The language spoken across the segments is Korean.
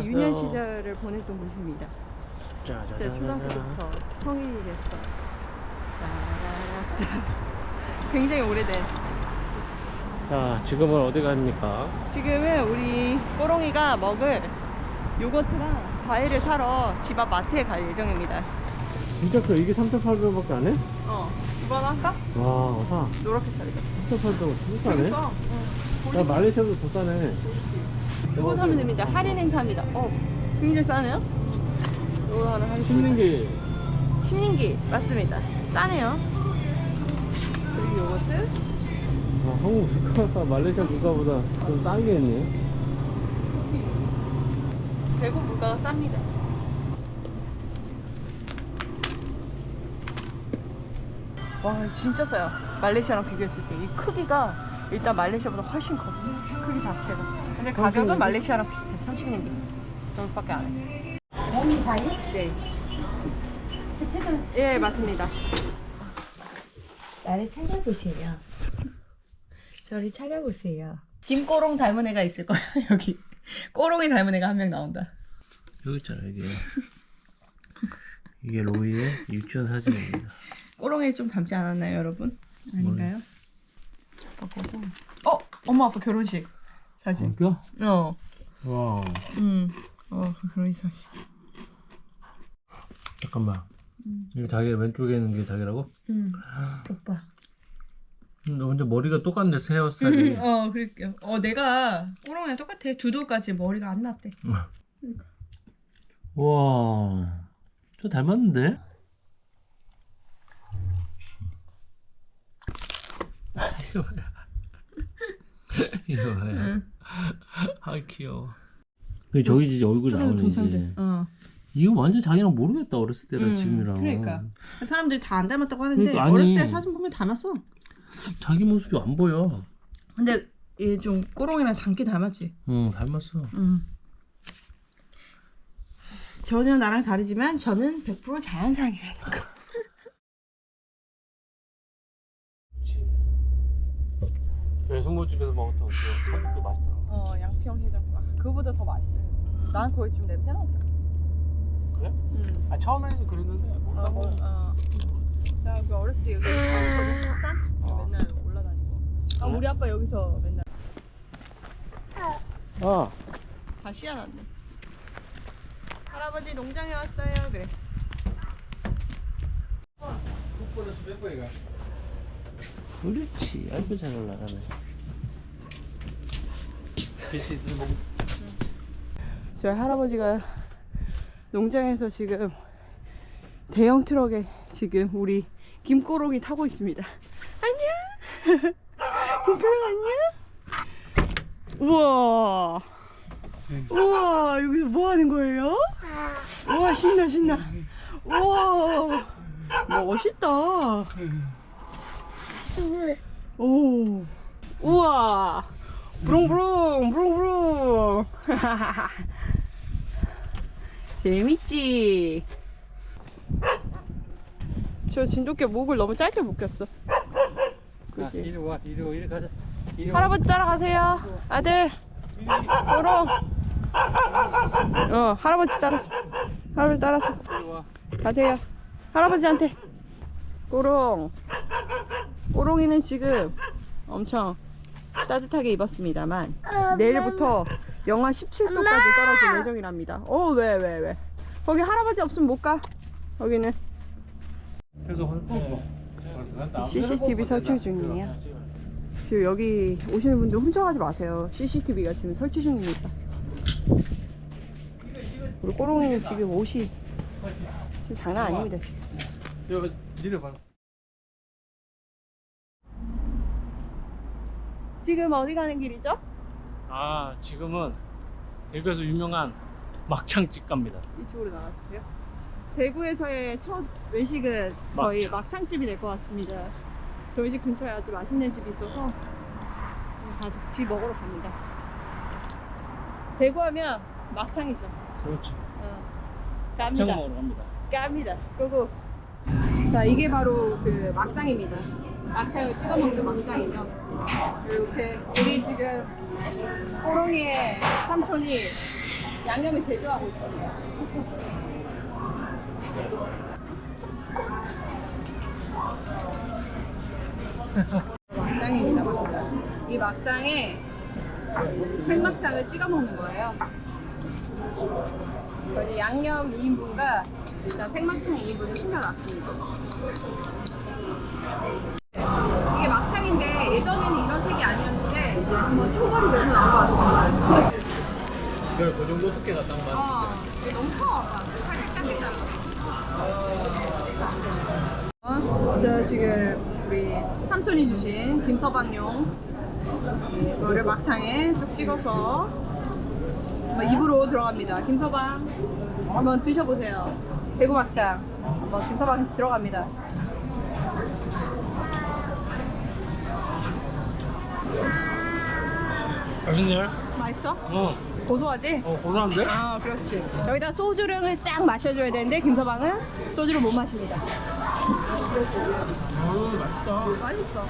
유년 시절을 보냈던 곳입니다. 진짜 짜자자자. 초등학교부터 성인이 됐어. 굉장히 오래된. 자, 지금은 어디 갑니까? 지금은 우리 꼬롱이가 먹을 요거트랑 과일을 사러 집 앞 마트에 갈 예정입니다. 진짜 이게 3,800원밖에 안 해? 이번 할까? 와, 사. 노랗게살이다. 3,800원 더 싸네? 그러니까. 야, 말레이시아도 더 싸네. 이거 사면 됩니다. 할인 행사입니다. 굉장히 싸네요? 이거 하나 하겠습니다. 씹는 게 심린기 맞습니다. 싸네요. 그리고 요거트. 한국 물가가 말레이시아 물가보다 좀 싼 게 있네. 대구 물가가 쌉니다. 와 진짜 싸요. 말레이시아랑 비교했을 때 이 크기가 일단 말레이시아보다 훨씬 커. 크기 자체가. 근데 가격은 말레이시아랑 비슷해. 30링기 정도밖에 안 해. 몸이 사이? 네. 채택은 예 맞습니다. 나를 찾아보세요. 저를 찾아보세요. 김꼬롱 닮은 애가 있을 거야 여기. 꼬롱이 닮은 애가 한 명 나온다. 여기 있잖아, 이게 로이의 유치원 사진입니다. 꼬롱이 좀 닮지 않았나요 여러분? 아닌가요? 바꾸고. 엄마 아빠 결혼식 사진. 진짜? 와. 그 결혼식 사진. 잠깐만. 이거 자기 왼쪽에 있는 게 자기라고? 오빠. 너 완전 머리가 똑같네, 새 헤어스타일이. 그럴게요. 내가 꼬롱이랑 똑같아. 두 돌까지 머리가 안 났대. 와, 저 닮았는데? 이거 뭐야? 이거 뭐야? 아, 귀여워. 저기 이제 얼굴 나오네, 이제. 이거 완전 자기랑 모르겠다, 어렸을 때랑 지금이랑. 그러니까. 사람들이 다 안 닮았다고 하는데, 그러니까, 아니, 어렸을 때 사진 보면 닮았어. 자기 모습이 안 보여. 근데 얘 좀 꼬롱이랑 닮긴 닮았지. 응, 닮았어. 전혀 나랑 다르지만 저는 100% 자연상이라니까. 배승모집에서 먹었던 그 사육도 맛있더라고. 양평 해장국. 그거보다 더 맛있어요. 난 거기 좀 냄새 나더라. 그래? 아, 처음에는 그랬는데 먹다가 나 그 어렸을 때 여기 살았거든. 산? 맨날 올라다니고. 우리 아빠 여기서 맨날. 다 씨앗났네. 할아버지 농장에 왔어요. 그래. 그렇지. 아이고 잘 올라가네. 저희 할아버지가 농장에서 지금 대형 트럭에 지금 우리 김꼬롱이 타고 있습니다. 안녕. 김꼬롱 안녕. 우와. 우와 여기서 뭐 하는 거예요? 우와 신나. 우와 멋있다. 오. 우와. 브롱브롱. 재밌지? 저 진돗개 목을 너무 짧게 묶였어. 그치? 이리 가자. 할아버지 따라가세요. 아들. 꼬롱. 할아버지 따라서. 가세요. 할아버지한테. 꼬롱이는 지금 엄청 따뜻하게 입었습니다만 내일부터 영하 17도까지 떨어질 예정이랍니다. 왜? 거기 할아버지 없으면 못 가. 거기는 CCTV 설치 중이에요. 지금 여기 오시는 분들 훔쳐가지 마세요. CCTV가 지금 설치 중입니다. 우리 꼬롱이는 지금 옷이 지금 장난 아닙니다. 지금. 내려봐. 지금 어디 가는 길이죠? 지금은 대구에서 유명한 막창집 갑니다. 이쪽으로 나와주세요. 대구에서의 첫 외식은 저희 막창집이 될 것 같습니다. 저희 집 근처에 아주 맛있는 집이 있어서 같이 먹으러 갑니다. 대구하면 막창이죠. 그렇지. 깝니다. 막창 먹으러 갑니다. 깝니다. 고고. 자, 이게 바로 그 막장입니다. 막창을 찍어 먹는 막장이죠. 이렇게 우리 지금 꼬롱이의 삼촌이 양념을 제조하고 있습니다. 막장입니다, 막장. 이 막장에 생막창을 찍어 먹는 거예요. 저희 양념 2인분과 일단 생막창 2인분을 시켜놨습니다. 이게 막창인데 예전에는 이런 색이 아니었는데 한번 초벌이 돼서 나온 것 같습니다. 이걸 그 정도 두께가 딱 맞. 이게 너무 커. 살짝 잘라. 저 지금 우리 삼촌이 주신 김서방용 이거를 막창에 쭉 찍어서 입으로 들어갑니다. 김서방 한번 드셔보세요. 대구 막창 한번 김서방 들어갑니다. 맛있네. 맛있어? 어. 고소하지? 고소한데? 아, 그렇지. 여기다 소주를 쫙 마셔줘야 되는데 김서방은 소주를 못 마십니다. 맛있다. 맛있어.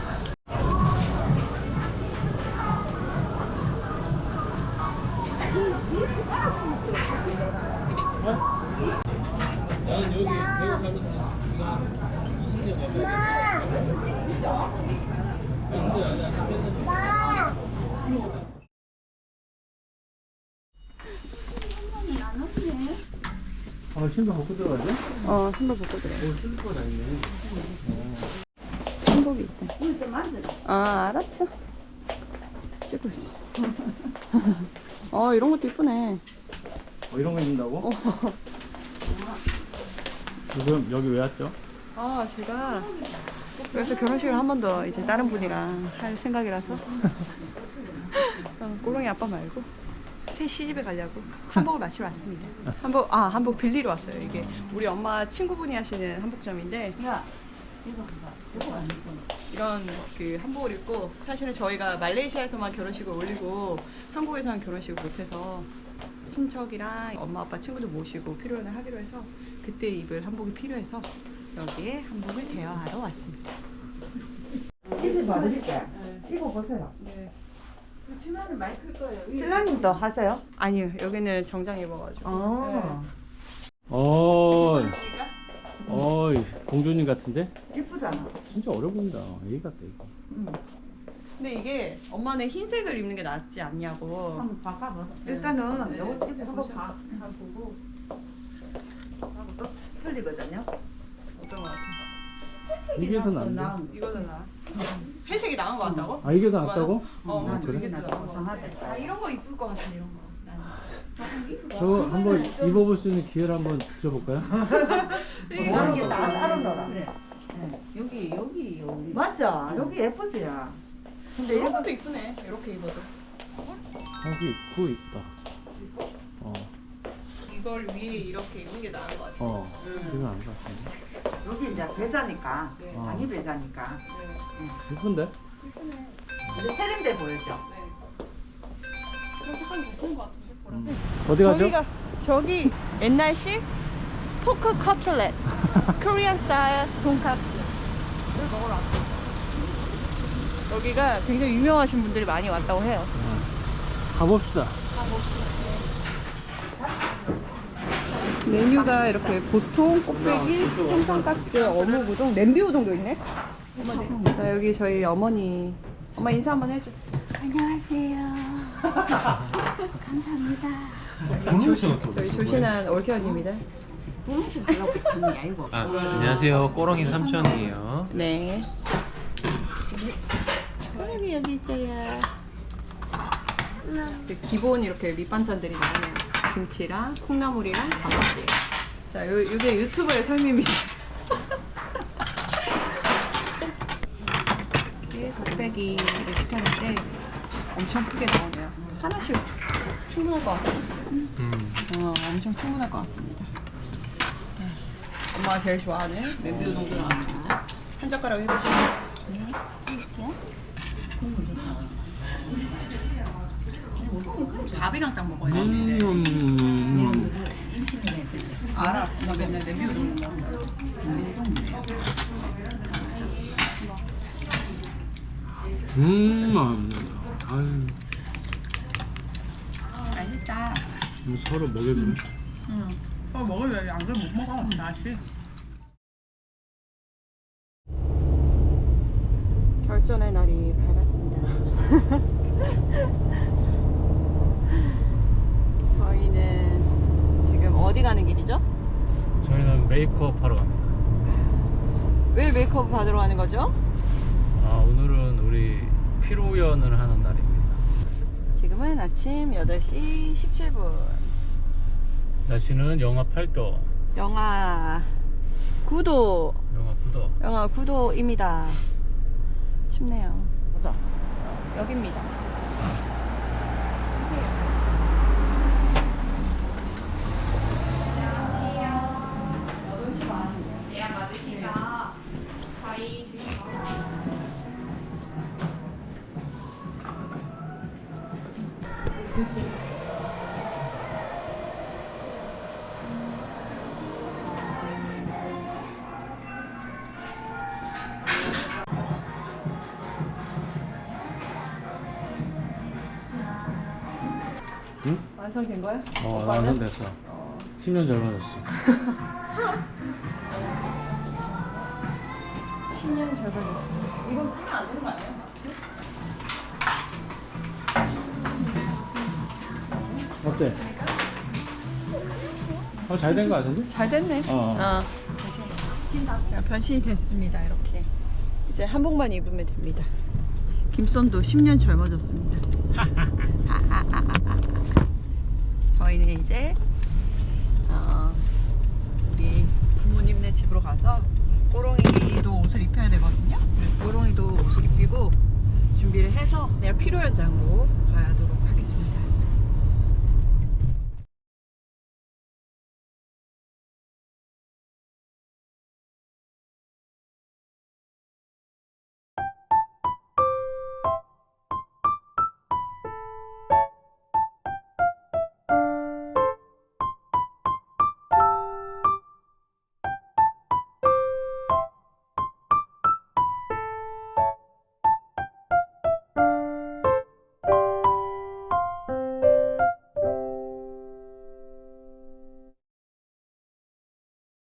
나는 여기 배우 가면 네가 20년 신발 벗고 들어가야 돼? 신발 벗고 들어. 쓸 거 다 있네. 한복이 있다. 아, 알았어. 찍고 있어. 이런 것도 이쁘네. 이런 거 입는다고? 지금 여기 왜 왔죠? 제가 그래서 결혼식을 한 번 더 이제 다른 분이랑 할 생각이라서 꼬롱이 아빠 말고 새 시집에 가려고 한복을 맞추러 왔습니다. 한복 빌리러 왔어요. 이게 우리 엄마 친구분이 하시는 한복점인데 이런 그 한복을 입고 사실은 저희가 말레이시아에서만 결혼식을 올리고 한국에서는 결혼식을 못해서 친척이랑 엄마 아빠 친구들 모시고 피로연을 하기로 해서 그때 입을 한복이 필요해서 여기에 한복을 대여하러 왔습니다. 이거 받으실게요. 이거 보세요. 네. 치마는 많이 클 거예요. 신랑님도 하세요? 아니요, 여기는 정장 입어가지고. 어이, 공주님 같은데? 이쁘잖아. 진짜 어려 보인다. 애기 같다, 이거. 근데 이게 엄마는 흰색을 입는 게 낫지 않냐고. 한번 바꿔봐. 일단은 네. 요거 입고 한번 보고 하고 또 틀리거든요. 어떤 거 같아? 이게 더 나은데? 이거 더 나아. 회색이 나은 거 같다고? 아, 이게 더 낫다고? 어, 그래? 이게 나도 고상하대. 이런 거 이쁠 것 같아, 이런 거. 나는. 저거 한번 입어볼 수 있는 기회를 한번 드려볼까요? 이게 따로 놀아. 그래. 여기. 맞죠? 여기 예쁘지야. 근데 이런 이거 것도 이쁘네. 이렇게 입어도. 그거 이쁘다. 이걸 위에 이렇게 입는 게 나은 것 같아. 이건 아닌 것 같은데. 여기 이제 배자니까. 네. 당이 배자니까. 네. 이쁜데? 근데 세련돼 보였죠? 네. 그런 색깔이 괜찮은 것 같은데, 보라색. 어디 가죠? 저기 옛날식 포크 커틀렛 코리안 스타일 돈까스를 먹으러 왔어요. 여기가 굉장히 유명하신 분들이 많이 왔다고 해요. 가봅시다. 메뉴가 이렇게 보통 꽃배기, 생선가스, 어묵우동, 냄비우동도 있네. 자, 여기 저희 어머니. 엄마 인사 한번 해줘. 안녕하세요. 감사합니다. 저희 조신한 올케언입니다. 안녕하세요. 꼬렁이 삼촌이에요. 네. 초록이 여기 있어요. 기본 이렇게 밑반찬들이 나오네요. 김치랑 콩나물이랑 단무지. 자, 이게 유튜버의 삶입니다. 이렇게 곱빼기를 시켰는데 엄청 크게 나오네요. 하나씩 충분할 것 같습니다. 엄청 충분할 것 같습니다. 네. 엄마가 제일 좋아하는 냄비우동도 나왔습니다. 한 젓가락 해보시죠. 밥이랑 딱 먹어야 되는데. 알아. 나 맨날 냄비우동 먹었어. 아유. 맛있다. 서로 먹여주네. 응. 먹으면 안 그러면 못 먹어. 맛이. 결전의 날이 밝았습니다. 저희는 지금 어디 가는 길이죠? 저희는 메이크업 하러 갑니다. 왜 메이크업 받으러 가는 거죠? 아, 오늘은 우리 피로연을 하는 날입니다. 지금은 아침 8시 17분. 날씨는 영하 8도. 영하 9도. 영하 9도입니다. 춥네요. 여기입니다. 예약 맞으시죠? 저희 지금 완성된 거야? 완성됐어. 10년 젊어졌어. 10년 젊어졌어. 이건 끼면 안 되는 거 아니야? 어때? 잘 된 거 같은데? 잘 됐네. 어. 변신이 됐습니다. 이렇게 이제 한복만 입으면 됩니다. 김선도 10년 젊어졌습니다. 저희는 이제 우리 부모님네 집으로 가서 꼬롱이도 옷을 입혀야 되거든요. 꼬롱이도 옷을 입히고 준비를 해서 내일 피로 현장으로 가도록